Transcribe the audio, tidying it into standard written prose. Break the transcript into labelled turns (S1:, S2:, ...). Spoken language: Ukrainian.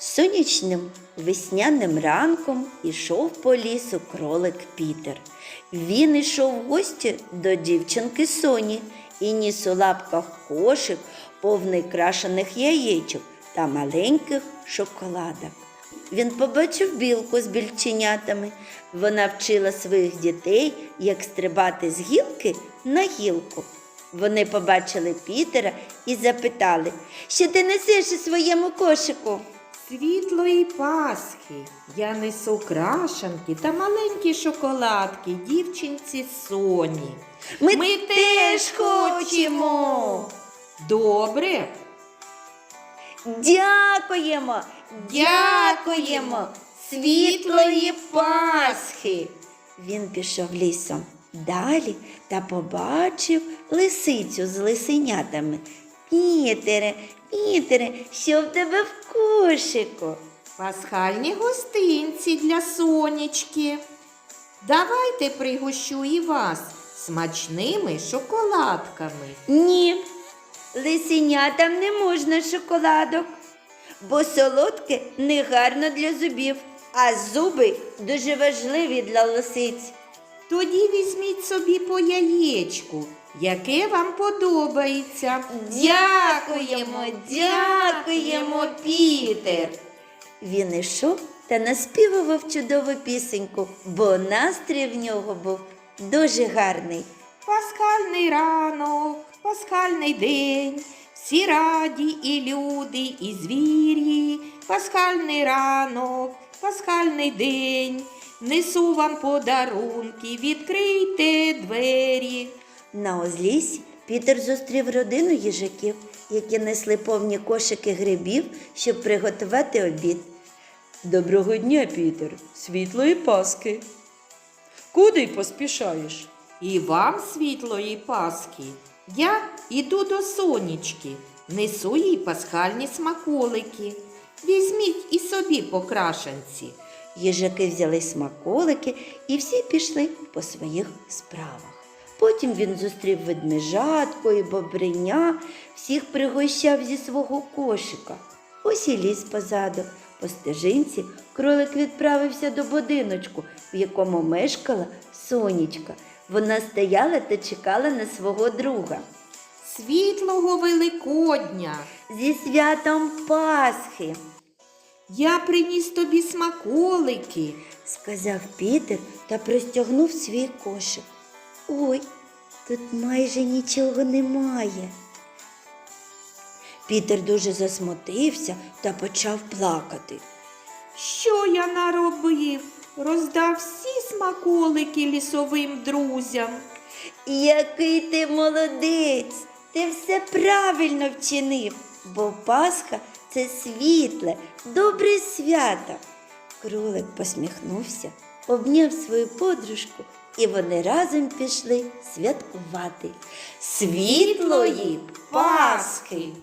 S1: Сонячним весняним ранком ішов по лісу кролик Пітер. Він ішов в гості до дівчинки Соні і ніс у лапках кошик, повний крашених яєчок та маленьких шоколадок. Він побачив білку з більченятами. Вона вчила своїх дітей, як стрибати з гілки на гілку. Вони побачили Пітера і запитали: «Що ти несеш у своєму кошику?»
S2: Світлої Пасхи я несу крашанки та маленькі шоколадки дівчинці Соні.
S1: Ми теж хочемо!
S2: Добре?
S1: Дякуємо! Дякуємо! Світлої Пасхи! Він пішов лісом далі та побачив лисицю з лисенятами. Пітере, Пітере, що в тебе в кошику?
S2: Пасхальні гостинці для Сонечки. Давайте пригощу і вас смачними шоколадками.
S1: Ні, лисенятам не можна шоколадок, бо солодке не гарно для зубів, а зуби дуже важливі для лисиць.
S2: Тоді візьміть собі по яєчку, яке вам подобається.
S1: Дякуємо, дякуємо, Пітер. Він ішов та наспівував чудову пісеньку, бо настрій в нього був дуже гарний.
S2: Пасхальний ранок, пасхальний день, всі раді і люди, і звірі. Пасхальний ранок, пасхальний день, несу вам подарунки, відкрийте двері.
S1: На узліссі Пітер зустрів родину їжаків, які несли повні кошики грибів, щоб приготувати обід.
S3: Доброго дня, Пітер, світлої Пасхи. Куди поспішаєш?
S2: І вам світлої Пасхи. Я іду до Сонечки, несу їй пасхальні смаколики. Візьміть і собі по крашанці.
S1: Їжаки взяли смаколики і всі пішли по своїх справах. Потім він зустрів ведмежатку і бобриня, всіх пригощав зі свого кошика. Ось і ліс позаду. По стежинці кролик відправився до будиночку, в якому мешкала Сонечка. Вона стояла та чекала на свого друга.
S2: Світлого Великодня!
S1: Зі святом Пасхи,
S2: Я приніс тобі смаколики.
S1: сказав Пітер та простягнув свій кошик. Ой, тут майже нічого немає. Пітер дуже засмутився та почав плакати.
S2: Що я наробив? Роздав всі смаколики лісовим друзям.
S1: Який ти молодець! Ти все правильно вчинив, бо Пасха – це світле, добре свято. Кролик посміхнувся, обняв свою подружку, і вони разом пішли святкувати. Світлої Пасхи!